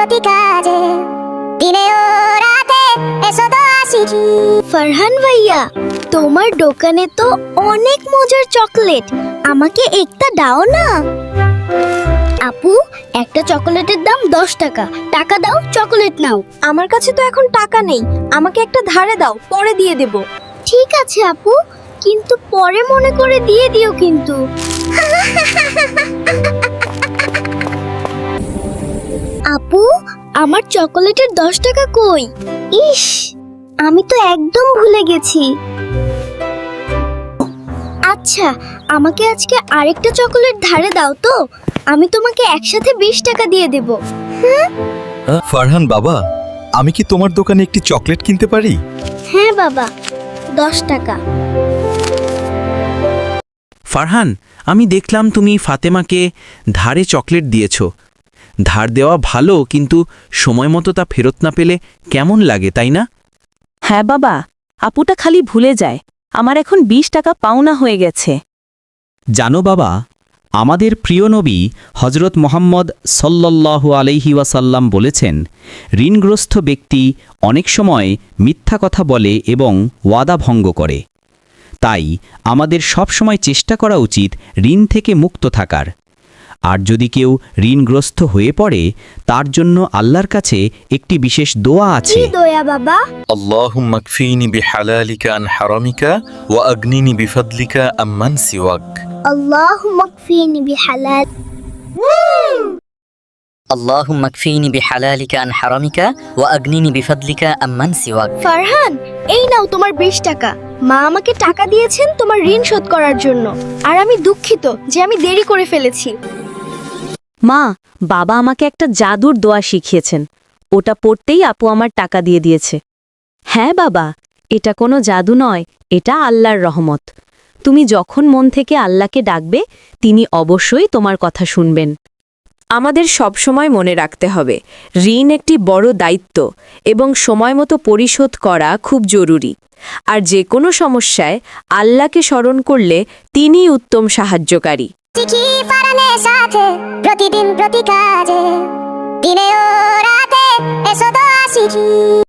প্রতি কাজে, দিনে ও রাতে এসো দোয়া শিখি। ফারহান ভাইয়া, তোমার দোকানে তো অনেক মজার চকলেট, আমাকে একটা দাও না। আপু, একটা চকলেটের দাম 10 টাকা। টাকা দাও, চকলেট নাও। আমার কাছে তো এখন টাকা নেই, আমাকে একটা ধারে দাও, পরে দিয়ে দেব। ঠিক আছে আপু, কিন্তু পরে মনে করে দিয়ে দিও কিন্তু। আপু, আমার চকোলেটের 10 টাকা কই? ইস, আমি তো একদম ভুলে গেছি। আচ্ছা, আমাকে আজকে আরেকটা চকোলেট ধারে দাও তো, আমি তোমাকে একসাথে 20 টাকা দিয়ে দেব। ফারহান বাবা, আমি কি তোমার দোকানে একটি চকলেট কিনতে পারি? হ্যাঁ বাবা, 10 টাকা। ফারহান, আমি দেখলাম তুমি ফাতেমাকে ধারে চকলেট দিয়েছ। ধার দেওয়া ভালো, কিন্তু সময় মতো তা ফেরত না পেলে কেমন লাগে, তাই না? হ্যাঁ বাবা, আপুটা খালি ভুলে যায়। আমার এখন 20 টাকা পাওনা হয়ে গেছে। জানো বাবা, আমাদের প্রিয় নবী হজরত মোহাম্মদ সাল্লাল্লাহু আলাইহি ওয়াসাল্লাম বলেছেন, ঋণগ্রস্ত ব্যক্তি অনেক সময় মিথ্যা কথা বলে এবং ওয়াদা ভঙ্গ করে। তাই আমাদের সব সময় চেষ্টা করা উচিত ঋণ থেকে মুক্ত থাকার। আর যদি কেউ ঋণগ্রস্ত হয়ে পড়ে, তার জন্য আল্লাহর কাছে একটি বিশেষ দোয়া আছে। কি দয়া বাবা? আল্লাহুম্মা কফিনি বিহালালিকা আন হারামিকা ওয়া আগনিনি বিফাদলিকা আম্মান সিওয়াক। আল্লাহুম্মা কফিনি বিহালাল। اللهم اكفيني بحلالك عن حرامك واغنني بفضلك عمن سواك। ফারহান, এই নাও তোমার 20 টাকা। মা আমাকে টাকা দিয়েছেন তোমার ঋণ শোধ করার জন্য, আর আমি দুঃখিত যে আমি দেরি করে ফেলেছি। মা, বাবা আমাকে একটা জাদুর দোয়া শিখিয়েছেন, ওটা পড়তেই আপু আমার টাকা দিয়ে দিয়েছে। হ্যাঁ বাবা, এটা কোনো জাদু নয়, এটা আল্লাহর রহমত। তুমি যখন মন থেকে আল্লাহকে ডাকবে, তিনি অবশ্যই তোমার কথা শুনবেন। আমাদের সবসময় মনে রাখতে হবে, ঋণ একটি বড় দায়িত্ব এবং সময়মতো পরিশোধ করা খুব জরুরি। আর যে কোনো সমস্যায় আল্লাহকে স্মরণ করলে তিনিই উত্তম সাহায্যকারী। শিখি ফারহানের সাথে, প্রতিদিন প্রতি কাজে, দিনে ও রাতে এসো দোয়া শিখি।